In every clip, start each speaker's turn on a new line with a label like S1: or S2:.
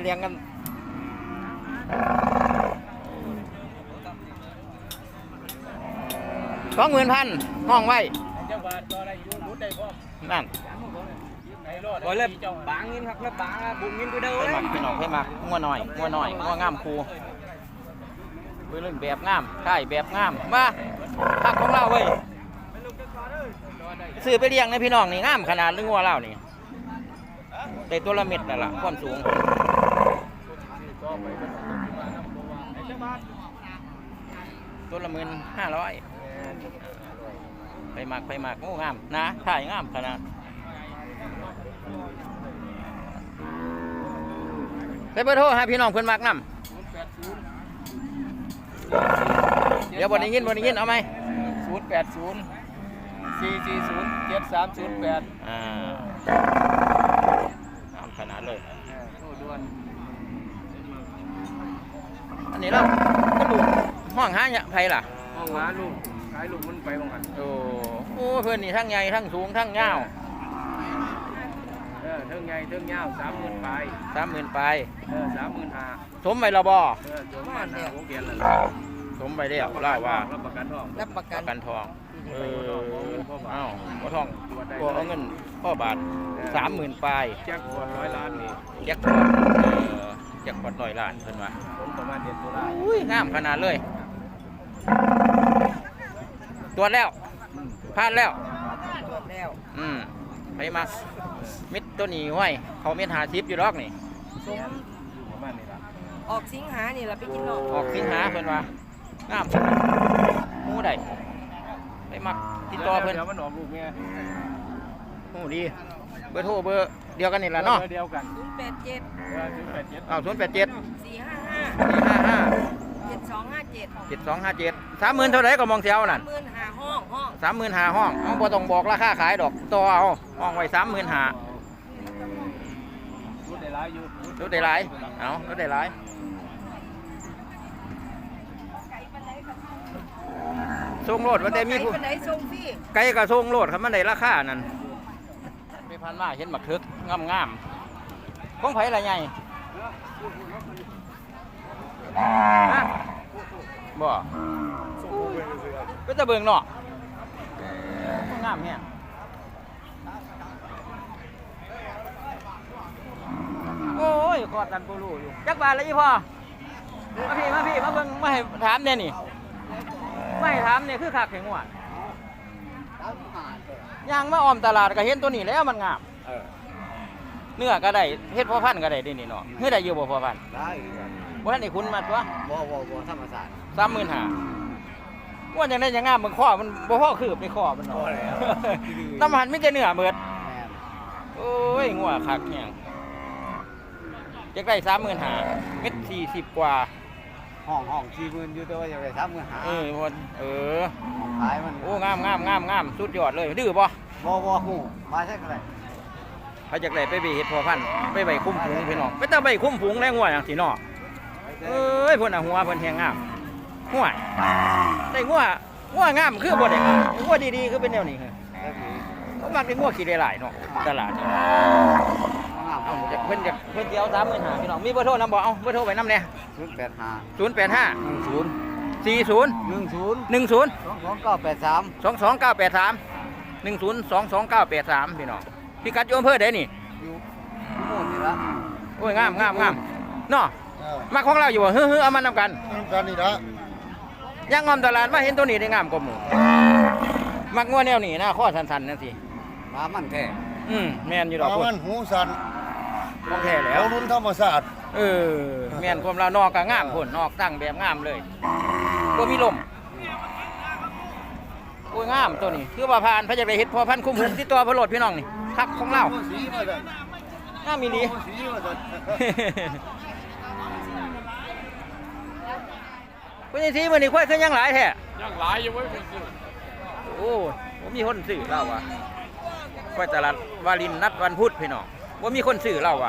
S1: เลี้ยงกัน20,000ห้องไว้นั่น
S2: โอ้ยเลยบางนินครับแล้วบางบุญนินไปเด้อเลย
S1: พี่น้องให้มักงัวหน่อยงัวงามครูไปเล่นแบบงามใช่แบบงามมาทักของเราเว้ยซื้อไปเลี้ยงในพี่น้องนี่งามขนาดเรื่องงัวเรานี่แต่ตัวละเม็ดนั่นแหละความสูงตัวละ15,000ไปหมักโอ้งามนะถ่ายงามขนาดไปเบอร์โทรให้พี่น้องเพื่อนมักนำเดี๋ยวบนนี้ยินเอาไหม
S2: 080 440 7308
S1: งามขนาดเลย
S2: โทษด่วน
S1: อันนี้เราก็ดูห้องหาเนี่ยไผล่ะ
S2: ห้องหาลูกขายลูกมันไปบ้างกัน
S1: โอ้เพื่อนนี่ทั้งใหญ่ทั้งสูงทั้งยาว
S2: เทิงใหญ่เทิงยาว30,000ไป
S1: 30,000ไป
S2: 35,000
S1: สมไปละบ่
S2: สมมาแล้ววงเวียนแล้ว
S1: สมไปแล้วเล่าว่า
S2: รับประกันทอง
S1: อ้าวบ่ทองบ่เอาเงินพ่อบาท30,000ไป
S2: แจ็คพอต100 ล้านนี่
S1: แจ็คพอต100 ล้านเพิ่นว่า
S2: ผมประมาณเดือนตุลา
S1: อุ้ยงามขนาดเลยตรวจแล้วผ่านแล้วไปมามิดตัวนี้ห้อยเขาเม็ด50อยู่รอกนี่
S2: ประมาณนี้ล่ะ
S3: ออกสิงหานี่ล่ะไปกินเนาะ
S1: ออกสิงหาเพิ่นว่างามหมูได้ไปมักติดต่อเพิ่น
S2: เดี๋ยวมันออกลูกแม่
S1: โอ้ดีเบอร์โทรเบอร์เดียวกันนี่แหละเนาะ
S2: เดียวกัน
S3: 087
S1: อ้าว087
S3: 455 7257
S1: 30,000เท่าไหร่ก็มองเสียวนั่น
S3: 35,000ห้อง
S1: เอาบ่ต้องบอกราคาขายดอกต่อเอาห้องไว้35,000
S2: รถได้หลายอยู่
S1: รถได้หลายเอารถได้หลายส่งโลดว่าแต่มีผู้ไก่ก็ส่งโลดครับมันได้ราคานั่นไปพันมาเห็นบักทึกงามของไผละใหญ่บ่ก็จะเบิ่งเนาะงามเนี่ยโอ้ยกอดกันกูรู้อยู่จักบาทเลยพ่อมาพี่มาเบิ่งมาให้ถามเนี่ยนี่ไม่ถามเนี่ยคือคักแข็งหวานย่างมาออมตลาดก็เห็นตัวนี้แล้วมันงามเนื้อก็ได้เฮ็ดพ่อพันธุ์ก็ได้ดินี่เนาะเฮ็ดได้อยู่บ่พ่อพันธุ์
S2: ได้
S1: บ่ทันได้คุณมาตัว
S2: บ่ธรรมศาสตร์
S1: 35,000ว่าจังได๋จังงามมึงข้อมันบ่พอคืบในข้อมันเนาะน้ำหันมีแต่เนื้อเบิดโอ้ยงัวคักแฮงจักได้35,000เม็ด40กว่า
S2: ห้อง40,000อยู่แต่ว่าอยากได้
S1: 35,000ขายมันโอ้งามสุดยอดเลยดื้อบ่
S2: ฮู้มาใช่ก็ได้
S1: เขาอยากได้ไปเฮ็ดพ่อพันธุ์ไปใบคุ้มฝูงพี่น้องไปแต่ใบคุ้มฝูงแล้วงัวจังซี่เนาะเอ้ยเพิ่นน่ะหัวเพิ่นแฮงงามหัวได้งัวงามคือบ่ได้งัวดีๆคือเป็นแนวนี้เขามักได้งัวขี้ได้หลายเนาะตลาดเอาเพิ่นสิเอา35,000พี่น้องมีเบอร์โทรนำบ่เอาเบอร์โทรไว้นำแน่085 040 22 983 พี่น้องพี่กัดอยู่อำเภอใดนี่
S2: อยู่หมู่นี่ละ
S1: โอ้ยงามเนาะมาของเราอยู่บ่ฮือเอามานำกัน
S2: นี่ละ
S1: ย่างงอมตลาดมาเห็นตัวนี้ได้งามกว่าหมู่มักงัวแนวนี้นะข้อสั้นๆจังซี่
S2: ปลามันแท้
S1: แม่นอยู่ดอก
S2: ปลามันหูสั่น
S1: ของแท้แล้ว
S2: รุ่นธรรมศาสตร์
S1: แม่นความเรานอกก็งามพุ่นนอกตั้งแบบงามเลยบ่มีลมโอ้ยงามตัวนี้คือว่าผ่านพระจะไปเฮ็ดพอพันคุ้มหุ่นที่ตัวพระโลดพี่น้องนี่ทักของเรางามมีดีคุณยายทีมื้อนี้ค่อยขึ้นยังหลายแท้
S2: ยังหลายอยู่เว้ยเป็นซื้อ
S1: โอ้บ่มีคนซื้อเราว่ะค่อยตลาดวารินนัดวันพุธพี่น้องบ่มีคนซื้อเราว่ะ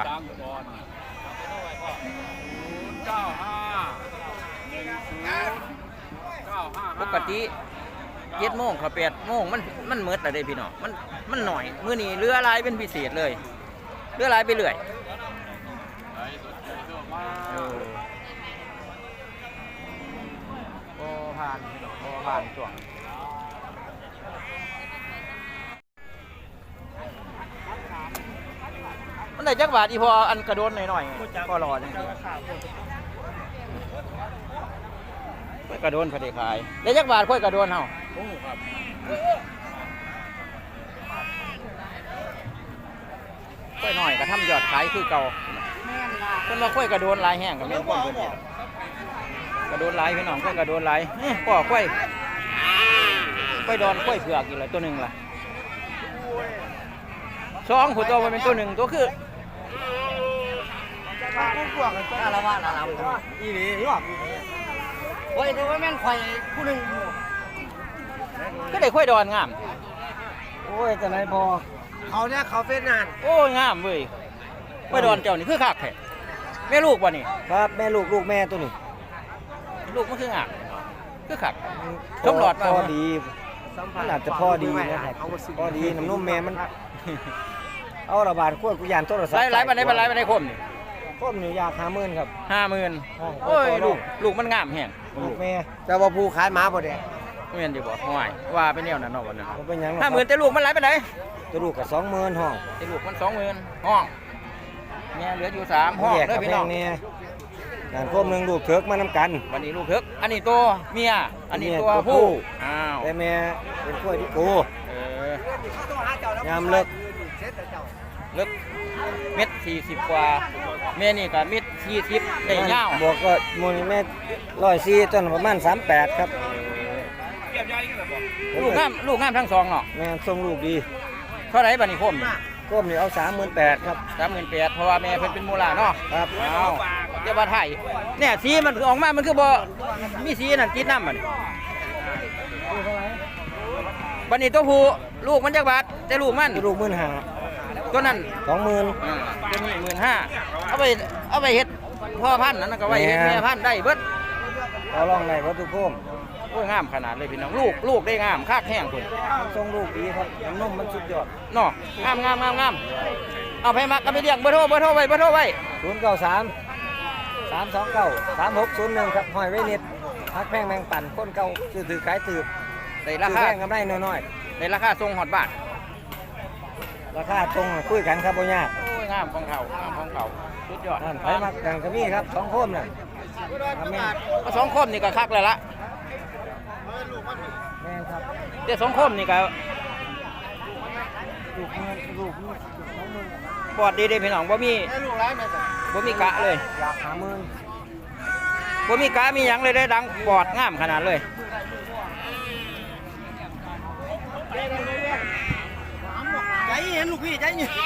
S1: ปกติ7 โมงเขา8 โมงมันมืดแล้วเด้พี่น้องมันหน่อยมื้อนี้เรือลายเป็นพิเศษเลยเรือลายไปเรื่อยผ่านผ่านช่วงมันได้จักบาทอีพออันกระโดนหน่อยๆพอรอจังซี่ค่อยกระโดนพอดีขายได้จักบาทค่อยกระโดนเฮาครับค่อยหน่อยก็ทำยอดขายคือเก่าเพิ่นว่าค่อยกระโดนหลายแห้งก็แม่นคนเพิ่นเฮ็ดกระโดนหลายพี่น้องค่อยกระโดนหลายพ่อค่อยดอนค่อยเผือกอีกแล้วตัวหนึงล่ะสองผู้ตัวมันเป็นตัวหนึ่งตัวคืออะไรวะอีหลีหรอโอ้ยแต่ว่าแม่นควายผู้หนึ่งก็ได้ควายดอนงามโอ้ยแต่ไหนพอเขาเนี่ยเขาเป็นงานโอ้ยงามเว้ยควายดอนเจ้านี่คือคักแท้แม่ลูกวะนี่ครับแม่ลูกแม่ตัวนี้ลูกมันคืองามคือคักชมหลอดพอดีมันอาจจะพอดีนะครับพอดีน้ำนมแม่มันเอาระบาดขวดกุยานต้นระสับไล่มาได้คมนี่คมนี่อยาก50,000ครับ50,000โอ้ยลูกมันงามแห้งลูกแม่แต่ว่าผู้ขายหมาบ่ได้แม่นอยู่บ่ห่วยว่าเป็นแนวนั้นเนาะบ่เนี่ยเป็นหยัง50,000แต่ลูกมันหลายปานใดแต่ลูกก็20,000ห้องแต่ลูกมัน20,000ห้องแม่เหลืออยู่3ห้องเด้อพี่น้องนี่งานคมนึงลูกเถิกมานำกันวันนี้ลูกเถิกอันนี้ตัวเมียอันนี้ตัวผู้อ้าวแต่แม่เป็นกล้วยที่กูยามเลิกเม็ด40กว่าแม่นี่ก็เม็ด40ได้ยาวบวกก็มูลแม่104ต้นประมาณ38ครับลูกงามทั้งสองเนาะแม่ทรงลูกดีเท่าไหร่บัดนี้คมนี่เอา38,000ครับ38,000เพราะว่าแม่เพิ่นเป็นมูลาเนาะครับเอาเดี๋ยวว่าไทยเนี่ยสีมันออกมามันคือบ่มีสีนั่นติดน้ำมันบัดนี้ตัวผู้ลูกมันจักบาทแต่ลูกมัน15,000ตัวนั้น20,000ตัวนี้15,000เอาไปเฮ็ดพ่อพันธุ์นั่นก็ไว้เฮ็ดแม่พันธุ์ได้เบิดเอาลองได้บ่ทุกโคมโอ้ยงามขนาดเลยพี่น้องลูกได้งามคักแห้งพุ่นทรงลูกดีครับน้ำนมมันสุดยอดเนาะงามเอาไปมักก็ไปเรียกเบอร์โทรไว้093 329 3601ครับห้อยไว้นิดพักแพงแมงปั่นคนเก่าซื้อขายตืบได้ราคาแพงกำไรน้อยๆได้ราคาทรงฮอดบาทราคาตรงคุยกันครับบ่ยากโอ้ยงามของเขาสุดยอดไปมักดังก็มีครับ2โคมน่ะ2โคมนี่ก็คักแล้วล่ะแม่ครับเดี๋ยว2โคมนี่ก็ลูกปอดดีเด้พี่น้องบ่มีกะเลยอยาก50,000บ่มีกะมีหยังเลยได้ดังปอดงามขนาดเลยใจเห็นลูกพี่ใจเย็น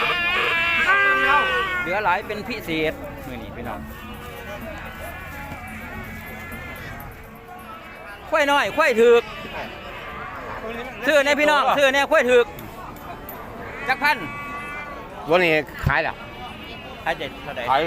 S1: เหลือหลายเป็นพิเศษมื้อนี้พี่น้องควายน้อยควายถึกซื้อเนี่ยพี่น้องซื้อเนี่ยควายถึกจักพัน
S2: วันนี้ขายแล้ว
S1: ขายเท่าไหร่
S2: ขาย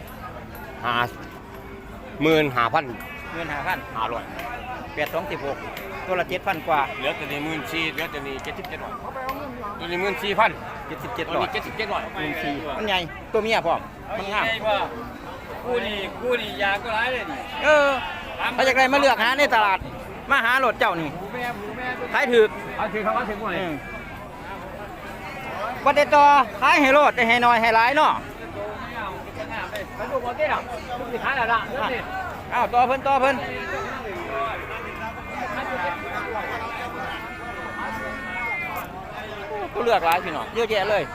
S2: 55,000
S1: 500 826ตัวละ 7,000 กว่า
S2: เหลือแต่นี่14,000เหลือแต่นี่77,000ตัวนี้14,000
S1: 77,000
S2: ตัวนี้77,000
S1: 14,000มันใหญ่ตัวเมียพร้อมมันงาม
S2: กูนี่ยาก็ร้ายเลยนี่
S1: ถ้าอยากได้มาเลือกหาในตลาดมาหารถเจ้านี่ขายถึก
S2: เขาถึงหมดเลย
S1: วัดเดต่อขายให้รถได้ให้น้อยให้หลายเนาะ
S2: มันดูหมดได้หรอสิขายแล้วล่ะ
S1: อ้าวต่อเพิ่นก็เลือกหลายพี่น้องเยอะแยะเลย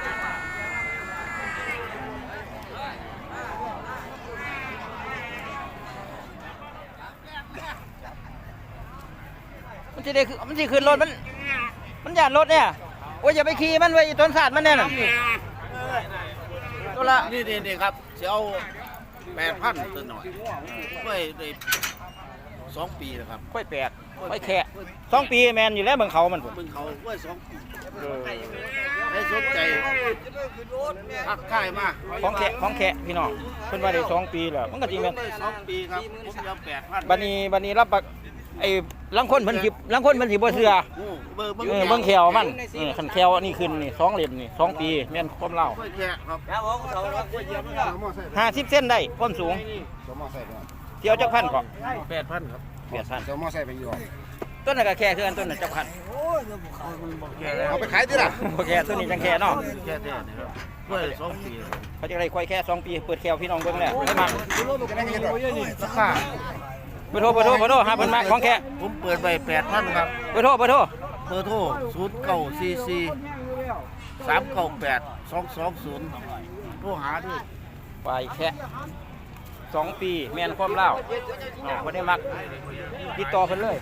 S1: มันจะขึ้นรถมันหยาดรถเนี่ยโอ้ยอย่าไปขี่มันไว้ต้นศาสตร์มันเนี่ยน่ะตัวละ
S4: นี่ครับจะเอา8,000ตัวหน่อยไว้ได้2 ปีนะครับ
S1: ค่อยแปดค่อยแค่2 ปีแมนอยู่แล้วเบิ่งเขามัน
S4: เบิ่งเขาไว้2 ปีได้สนใจทักทายมา
S1: ของแค่พี่น้องเพิ่นว่าได้2 ปีแล้วมันก็จริงแม่น
S4: 2 ปีครับผมจะเอา8,000
S1: บัดนี้ไอ้ลังคนเพิ่นสิบ่เชื่อ
S4: เบอร์
S1: เบิ่งแขวมันคันแขวอันนี้ขึ้นนี่2เหลี่ยมนี่2ปีแม่นความเล่า
S4: ค่อยแค่ครับ
S2: ครับผมเขาว่ากูเยี่ยมครับ
S1: 50เส้นได้ความสูงเที่ยวจักพันก่อน
S4: 8,000ครับ
S1: 8,000
S5: เจ้ามอไซค์ไปอยู่
S1: ต้นนั้นก็แค่คืออันต้นนั้นจักพัน
S5: เอาไปขายที่ล่ะ
S1: บ่แค่ต้นนี้จังแค่เนาะ
S4: แค่แท้นี่ครับเพื่อ2 ปี
S1: เขาจะได้ควายแค่2ปีเปิดแขวพี่น้องเบิ่งแล้วไม่มา
S4: ราคา
S1: เบอร์โทรหาเพิ่นมาของแค่
S4: ผมเปิดไป8,000ครับ
S1: เบอร์โทร
S4: เบอร์โทร0944 398 220โทรหาด้วย
S1: ควายแค่2ปีแม่นความเล่าบ่ได้มักติดต่อเพิ่นเลย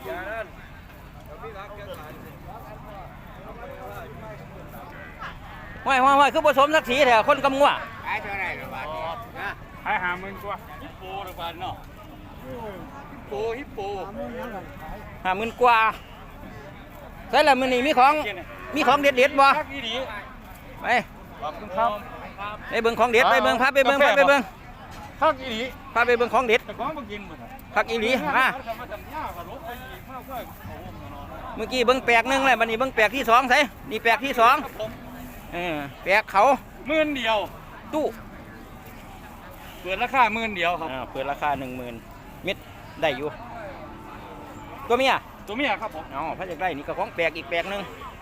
S1: ห้อยคือผสมสักทีแถวคนกำงัว
S2: ขายเท่าไหร่ละบาทนะ
S5: ขาย50,000กว่า
S2: ฮิปโปละบาทเนาะฮิปโป
S1: 50,000กว่าใช่แล้วมื้อนี้มีของเด็ดๆบ่
S5: คักอีหลี
S1: ไป
S5: ขอบคุณครับ
S1: ไปเบิ่งของเด็ดไปเบิ่งพาไปเบิ่ง
S5: คักอีหลี
S1: พาไปเบิ่งของเด็ด
S5: แต่ของบ่กินบ่ครับ
S1: คักอีหลีมา
S5: จะมาทำยาก็ลบไปอีกมากเพื่อเอาวงมานอน
S1: เมื่อกี้เบิ่งแปลกหนึงแล้วบัดนี้เบิ่งแปลกที่2ใส่นี่แปลกที่2แปลกเขา
S5: 10,000เดียว
S1: ตู้
S5: เปิดราคา10,000เดียวครับ
S1: เปิดราคา 10,000เม็ดได้อยู่ตัวเมีย
S5: ตัวเมียครับผม
S1: พระอยากได้นี่ก็ของแปลกอีกแปลกหนึง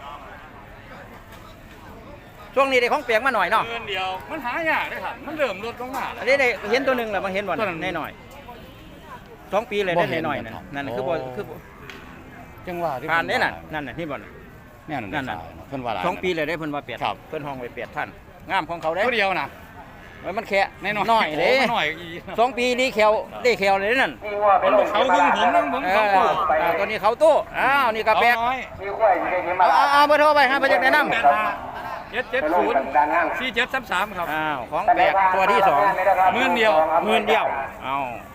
S1: ช่วงนี้ได้ของแปลกมาหน่อยเนาะ
S5: 10,000เดียวมันหายากเด้อครับมันเริ่มลดลงมา
S1: อันนี้ได้เห็นตัวหนึงแล้วบางเห็นบ่
S5: ตัวนั้น
S1: แน่หน่อย2ปีเลยได้หน่อยๆนั่นคือบ่คือ
S5: จังหวะที่
S1: ผ่านได้น่ะนั่นน่ะนี่บ่น่ะ
S5: เนี่ยนั่นน่ะเพิ่นว่าหลาย
S1: 2ปีเลยได้เพิ่นว่า8
S5: ครับ
S1: เพิ่นห้องไว้8ท่านงามของเขาได้
S5: ตัวเดียวนะ
S1: มันแค่
S5: แน่นอน
S1: น้อยเด้
S5: โน้อยอีก
S1: 2ปีนี้แขวได้แขวเลยนั่น
S5: เป็นเขาพึ่งผมนั่งผมเขาตู้
S1: ตัวนี้เขาตู้นี่ก็แปลก
S5: น้อย
S1: เอาเบอร์โทรไปฮะเพิ่นอยากแนะนำ
S5: 770 4733ครับ
S1: ของแปลกตัวที่2
S5: 10,000เดียว
S1: 10,000เดียว